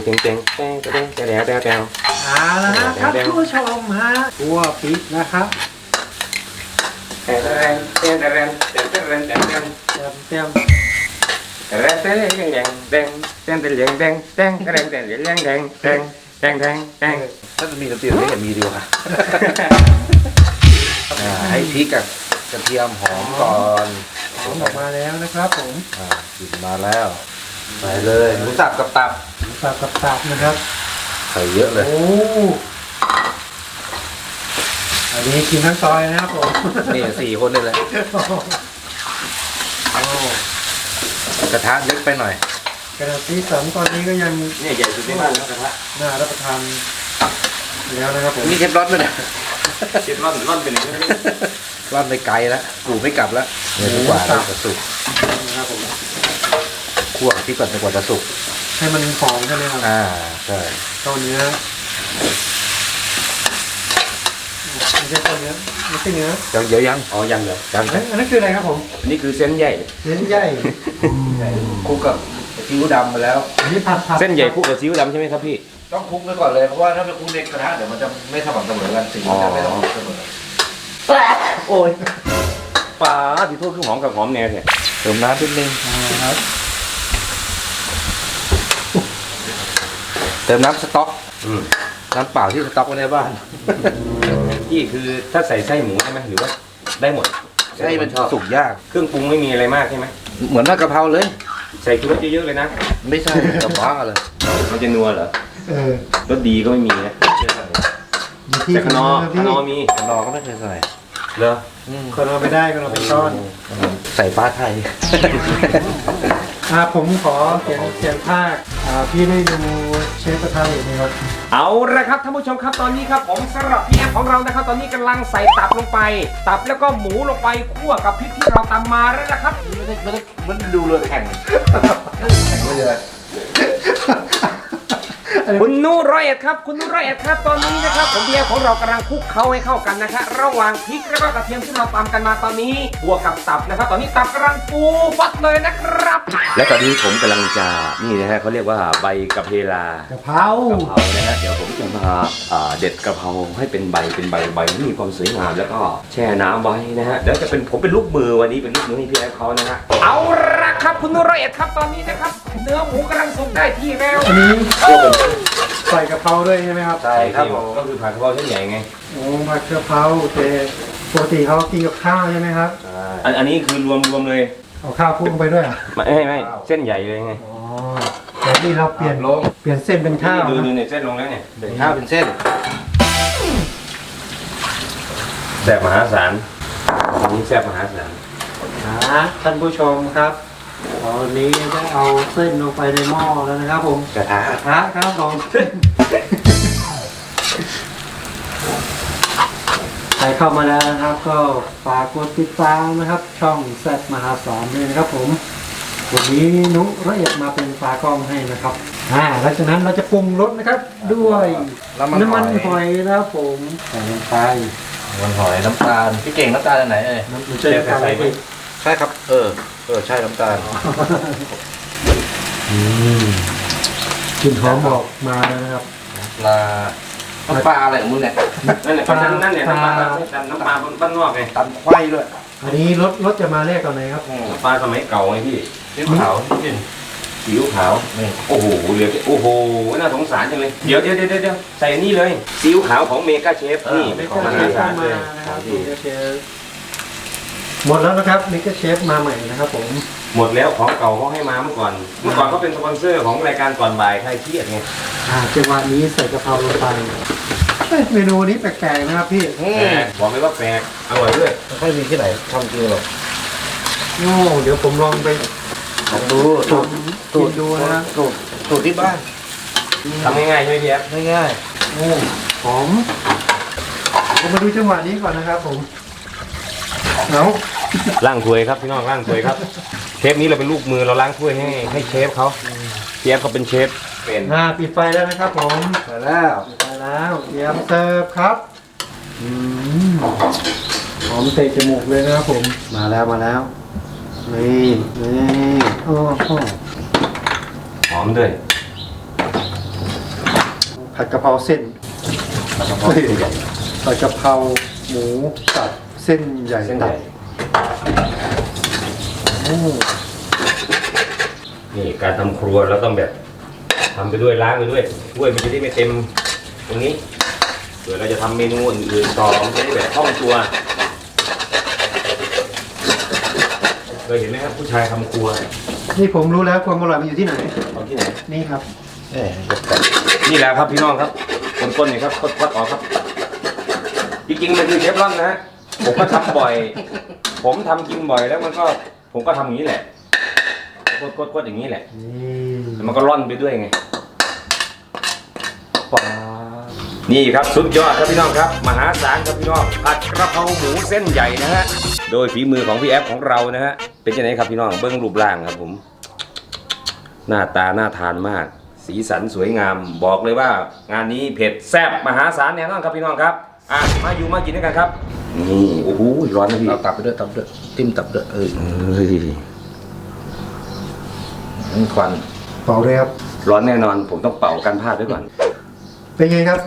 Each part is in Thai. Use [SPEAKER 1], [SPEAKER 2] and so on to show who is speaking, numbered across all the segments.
[SPEAKER 1] เต็งเต็งเต็งเต็งเต็งเต็งเต็งเต็ง
[SPEAKER 2] เอาละฮะท่านผู้ชมฮะคั่วพริกนะครับ
[SPEAKER 1] เต็งเต็งเต็งเต็งเต็งเต็งเต็งเต็งเต็ง
[SPEAKER 2] เตรียม
[SPEAKER 1] เต็งเต็งเต็งเต็งเต็งเต็งเต็งเต็งเต็งเต็งเต็งเต็งเต็งเต็งเต็งเต็งเต็งเต็ง
[SPEAKER 3] ถ้าจะมีดนตรีไม่เห็นมีดีกว่าให้พริกกับกระเทียมหอมก่อน
[SPEAKER 2] หอมออกมาแล้วนะครับผม
[SPEAKER 3] กลิ่นมาแล้วใส่เลยหมูสับกับตับ
[SPEAKER 2] สับกับตับนะครับ
[SPEAKER 3] ใส่เยอะเลย
[SPEAKER 2] โอ้อันนี้กินทั้งซอยนะครับผม
[SPEAKER 3] นี่4 คนเลยแหละ
[SPEAKER 2] โอ้
[SPEAKER 3] กระทะเล็กไปหน่อย
[SPEAKER 2] กระดาษสีสันตอนนี้ก็ยัง
[SPEAKER 1] เนี่ยใหญ่สุดในบ้านแล้วกระทะ
[SPEAKER 2] น่ารับประทานแล้วนะครับผม
[SPEAKER 3] นี่เชฟร้อนด้วยนะ
[SPEAKER 1] เช็ดร่อนร่อนเป็นอย่างนี้
[SPEAKER 3] ร้อนไปไกลแล้วกูไม่กลับแล้วเนี่ยดีกว่าเราจะสุก
[SPEAKER 2] นะครับผม
[SPEAKER 3] คั่วพริกก่อนจนกว่าจะสุก
[SPEAKER 2] ให้มันหอมใช่ไหมครับ
[SPEAKER 3] ใช่
[SPEAKER 2] เต้าเนื้อไม่ใช่เต้าเนื้อไม่ใช่เนื้อ
[SPEAKER 3] เดี๋ยวยัง
[SPEAKER 1] อ๋อยังเหรอ
[SPEAKER 3] ยัง
[SPEAKER 2] อันนั้นคืออะไรครับผม
[SPEAKER 1] นี่คือเส้นใหญ่
[SPEAKER 2] เส้นใหญ่
[SPEAKER 3] คลุกกับซีอิ๊วดำมาแล้ว
[SPEAKER 2] อันนี้ผัด
[SPEAKER 1] เส้นใหญ่คู่กับซีอิ๊วดำใช่ไหมครับพี่
[SPEAKER 3] ต้องคลุกไว้ก่อนเลยเพราะว่าถ้าไปคลุกในกระทะเดี๋ยวมันจะไม่สม่ำเสมอกันสีมันจะไม่สม่ำเสมอ
[SPEAKER 1] โอ้ยปลาที่โทษคือหอมกับหอมแน่เนี่ย
[SPEAKER 3] เติมน้ำนิดนึง
[SPEAKER 2] ครับ
[SPEAKER 3] เติมน้ำสต๊อก
[SPEAKER 1] อืม
[SPEAKER 3] น้ำเปล่าที่สต๊อกไว้ในบ้าน
[SPEAKER 1] พี่คือถ้าใส่ไส้หมูใช่ไหมหรือว่าได้หมด
[SPEAKER 3] ให้มันสุกยาก
[SPEAKER 1] เครื่องปรุงไม่มีอะไรมากใช่ไหม
[SPEAKER 3] เหมือนผัดกะเพราเลย
[SPEAKER 1] ใส่ชูรสเยอะๆเลยนะ
[SPEAKER 3] ไม่ใช่กระเพราเลย
[SPEAKER 1] มันจะนัวเหรอ
[SPEAKER 2] เ
[SPEAKER 1] รสดีก็ไม่มีนะ
[SPEAKER 2] อยู่ที่
[SPEAKER 1] แต่ขนอ
[SPEAKER 2] พี่
[SPEAKER 1] ขนอมี
[SPEAKER 3] กระนอก็ไม่เคยใส่
[SPEAKER 1] เหรอ
[SPEAKER 2] ขนอไม่ได้ขนอเป็นก้อน
[SPEAKER 3] ใส่ฟ้าไทย
[SPEAKER 2] ผมขอเขียนภาคพี่ได้ดูเชฟกระทะเหล็กไหมครับ
[SPEAKER 1] เอาละครับท่านผู้ชมครับตอนนี้ครับผมสำหรับพี่แอมของเรานะครับตอนนี้กำลังใส่ตับลงไป ตับแล้วก็หมูลงไปคั่วกับพริกที่เราตำมาแล้วนะครับ
[SPEAKER 3] มันดูเรือแข่งแข่งไม่เลย
[SPEAKER 1] คุณนูร้อยเอ็ดครับคุณนูร้อยเอ็ดครับตอนนี้นะครับผมเบียร์ของเรากำลังคลุกเคล้าให้เข้ากันนะครับระหว่างพริกแล้วก็กระเทียมที่เราตำกันมาตอนนี้บวกกับตับนะครับ ตอนนี้ตับกำลังฟูฟัดเลยนะครับ และตอนนี้ผมกำลังจะนี่นะฮะเขาเรียกว่าใบกะเพราก
[SPEAKER 2] ะเพราก
[SPEAKER 1] ะเพรานะฮะเดี๋ยวผมจะมาเด็ดกะเพราให้เป็นใบที่มีความสวยงามแล้วก็แช่น้ำไว้นะฮะเดี๋ยวจะเป็นผมเป็นลูกมือวันนี้เป็นลูกมือให้พี่แอฟเขานะฮะเอาละครับคุณนูร้อยเอ็ดครับตอนนี้นะครับเนื้อหมูกำลังสุกได้ที่แล้ว
[SPEAKER 2] อันนี้ใส่กะเพราด้วยใช่ไหมครับ
[SPEAKER 3] ใช่ครับผม
[SPEAKER 1] ก็คือผัดกะเพราเส้นใหญ่ไง
[SPEAKER 2] โอ้ผัดกะเพราแต่ปกติเขากินกับข้าวใช่ไหมครับ
[SPEAKER 1] อันนี้คือรวมเลย
[SPEAKER 2] เอาข้าวคลุกลงไปด้วยเหรอ
[SPEAKER 1] ไม่เส้นใหญ่เลยไง
[SPEAKER 2] อ๋อแต่นี่เราเปลี่ยน
[SPEAKER 3] ลง
[SPEAKER 2] เปลี่ยนเส้นเป็นข้าว
[SPEAKER 1] ดู
[SPEAKER 2] นะ
[SPEAKER 1] เนี่ยเส้นลงแล้วเนี่ย
[SPEAKER 3] เป็นข้าวเป็นเส้น
[SPEAKER 1] แซ่บมหาศาลอันนี้แซ่บมหาศาล
[SPEAKER 2] ท่านผู้ชมครับตอนนี้ได้เอาเส้นลงไปในหม้อแล้วนะครับผม
[SPEAKER 1] กระทะ
[SPEAKER 2] กระทะครับผมใครเข้ามาแล้วนะครับ ก็ฝากกดติดตามนะครับ ช่องแซดมหาศาลด้วยนะครับผมวันนี้นุละเอียดมาเป็นตากล้องให้นะครับหลังจากนั้นเราจะปรุงรสนะครับ ด้วยน้ำมันหอยนะครับผมใส่ลงไป
[SPEAKER 3] มันหอยน้ำตาลพี่เก่งน้ำตาลอันไหนเอ่ย
[SPEAKER 2] น้ำมันจะใส่ไป
[SPEAKER 3] ใช่ครับใช่น้ำตาล
[SPEAKER 2] กลิ่นหอมบอกมาแล้วนะครับ
[SPEAKER 3] น้ำปลาอะไรของมึงเนี่ย
[SPEAKER 1] นั่นแหละนั่นเนี่ยน้ำปลาบ้านนอกไง
[SPEAKER 3] ตำควายด้วย
[SPEAKER 2] อันนี้รสจะมาแรกตอนไหนครับ
[SPEAKER 1] น้ำปลาสมัยเก่าไงพี่
[SPEAKER 3] ซีอิ๊วขาวนิดนึง
[SPEAKER 1] ซีอิ๊วขาวโอ้โหเหลือโอ้โหน่าสงสารจังเลยเดี๋ยวใส่นี่เลยซีอิ๊วขาวของเมกาเชฟนี่
[SPEAKER 2] มิก
[SPEAKER 1] ของ
[SPEAKER 2] เกอ
[SPEAKER 1] ม
[SPEAKER 2] ร์เช
[SPEAKER 1] หา
[SPEAKER 2] ฟ
[SPEAKER 1] ศาล
[SPEAKER 2] มา
[SPEAKER 1] เลย
[SPEAKER 2] นะครับมิกเกอร์เชฟหมดแล้วนะครับมิกเกอร์เชฟมาใหม่นะครับผม
[SPEAKER 1] หมดแล้วของเก่าเขาให้มาเมื่อก่อนเขาเป็นสปอนเซอร์ของรายการก่อนบ่ายใครเครียดไง
[SPEAKER 2] จังหวะนี้ใส่กะเพราลงไปเมนูนี้แปลกๆนะครับพี่
[SPEAKER 1] บอกเลยว่าแปลกอร่อยด้วย
[SPEAKER 3] ไม่ค่อยมีที่ไหนทำจริงหรอก
[SPEAKER 2] โอ้เดี๋ยวผมลองไป
[SPEAKER 3] ลองดู
[SPEAKER 2] กินดูนะ
[SPEAKER 3] สูตรที่บ้าน
[SPEAKER 1] ทำง่ายๆใช่ไหมพี่แอฟ
[SPEAKER 3] ง่าย
[SPEAKER 2] โอ้หอมผมมาดูจังหวะนี้ก่อนนะครับผมเอา
[SPEAKER 1] ล้างถ้วยครับพี่น้องล้างถ้วยครับเชฟนี้เราเป็นลูกมือเราล้างถ้วยให้เชฟเขาเชฟเขาเป็นเชฟเป็น
[SPEAKER 2] ปิดไฟแล้วนะครับผม
[SPEAKER 3] ๆมาแล้ว
[SPEAKER 2] ปิดไฟแล้วเตรียมเสิร์ฟครับหอมเตะจมูกเลยนะครับผมมาแล้วนี่โอ้โห
[SPEAKER 1] หอมด้วย
[SPEAKER 2] ผัดกะเพราเส้น
[SPEAKER 3] แล้วก็พอใหญ่
[SPEAKER 2] ผัดกะเพราหมูสับเส้นใหญ่
[SPEAKER 1] เส้นใหญ่
[SPEAKER 2] โอ้
[SPEAKER 1] นี่การทำครัวเราต้องแบบทำไปด้วยล้างไปด้วยถ้วยมันจะได้ไม่เต็มตรงนี้เดี๋ยวเราจะทำเมนูอื่นๆต่อมันจะได้แบบคล่องตัวเคยเห็นไหมครับผู้ชายทำครัว
[SPEAKER 2] นี่ผมรู้แล้วความอร่อยมันอยู่ที่ไหน
[SPEAKER 1] เอาที่ไหน
[SPEAKER 2] นี่ครับ
[SPEAKER 1] นี่แหละครับพี่น้องครับต้นๆนี่ครับคดๆออกครับจริงๆมันคือเชฟรอนนะฮะผมก็ทำบ่อย ผมทำกินบ่อยแล้วผมก็ทำอย่างนี้แหละกดๆอย่างนี้แหละ แล้วมันก็ร่อนไปด้วยไงนี่ครับสุดยอดครับพี่น้องครับมหาศาลครับพี่น้องผัดกระเพราหมูเส้นใหญ่นะฮะโดยฝีมือของพี่แอฟของเรานะฮะเป็นยังไงครับพี่น้องเบิ้งรูปร่างครับผมหน้าตาน่าทานมากสีสันสวยงามบอกเลยว่างานนี้เผ็ดแซ่บมหาศาลแน่นอนครับพี่น้องครับมากินด้วยกันครับนี่โอ้โหร้อนนะพี่
[SPEAKER 3] เอาตับไปด้วยจิ้มตับด้วยควัน
[SPEAKER 2] เป่าเลยครับ
[SPEAKER 1] ร้อนแน่นอนผมต้องเป่ากันพลาดไว้ก่อน
[SPEAKER 2] เป็นไงครับ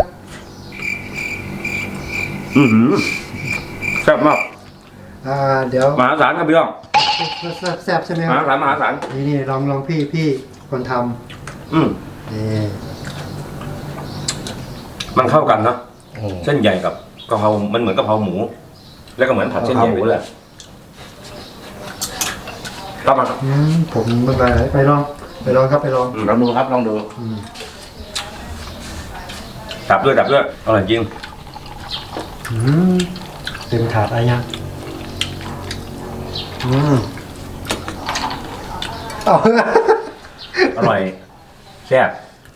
[SPEAKER 1] แซ่บมาก
[SPEAKER 2] เดี๋ยว
[SPEAKER 1] มหาศาลครับพี่น้อง
[SPEAKER 2] แซ่บใช่ไหม
[SPEAKER 1] ม
[SPEAKER 2] ครั
[SPEAKER 1] หา
[SPEAKER 2] บ
[SPEAKER 1] ศาลมหาศาล
[SPEAKER 2] นี่ลองพี่คนท
[SPEAKER 1] อืม
[SPEAKER 2] ำนี่
[SPEAKER 1] มันเข้ากันเนาะเส้นใหญ่กับกะเพรามันเหมือนกะเพราหมู แล้วก็เหมือนผัดเส้นใหญ่ไปเลยรับมาครับ
[SPEAKER 2] ผมไปลองครับไปลอง
[SPEAKER 3] ลองดูครับลองดู
[SPEAKER 1] ดับด้วยอร่อยจริง
[SPEAKER 2] เต็มถาดอะไรยังเอา
[SPEAKER 1] อร่อยแซ่บ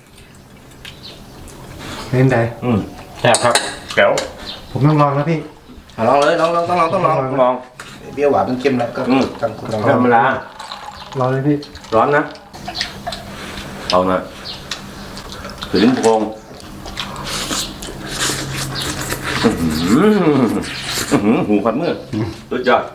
[SPEAKER 2] เป็นไง
[SPEAKER 1] แซ่บครับแก้ว
[SPEAKER 2] ผมต้องลองแล้วพี่
[SPEAKER 3] ลองเลยลองต้องลอง
[SPEAKER 1] ลอง
[SPEAKER 3] เปรี้ยวหวานเป็นเค็มแล้วก็ตั้งคุณลอง
[SPEAKER 1] ธรรมดา
[SPEAKER 2] ลองเลยพี่
[SPEAKER 1] ร้อนนะเอาหน่อยถึงโพงหูขัดมือสุดยอด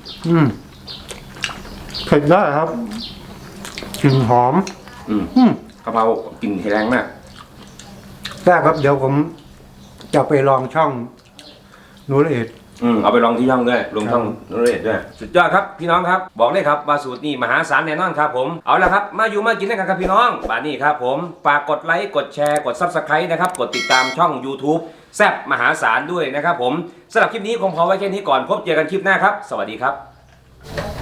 [SPEAKER 2] เผ็ดได้ครับกลิ่นหอม
[SPEAKER 1] กะเพรากลิ่นแรงมาก
[SPEAKER 2] แซ่บครับเดี๋ยวผมจะไปลองช่องนูละเอียด
[SPEAKER 1] เอาไปลองที่ช่องด้วยลงช่องนเรศด้วยสุดยอดครับพี่น้องครับบอกเลยครับว่าสูตรนี้มหาศาลแน่นอนครับผมเอาละครับมากินด้วยกันครับพี่น้องป่านนี้ครับผมฝากกดไลค์กดแชร์กด Subscribe นะครับกดติดตามช่อง YouTube แซ่บมหาศาลด้วยนะครับผมสำหรับคลิปนี้คงพอไว้แค่นี้ก่อนพบเจอกันคลิปหน้าครับสวัสดีครับ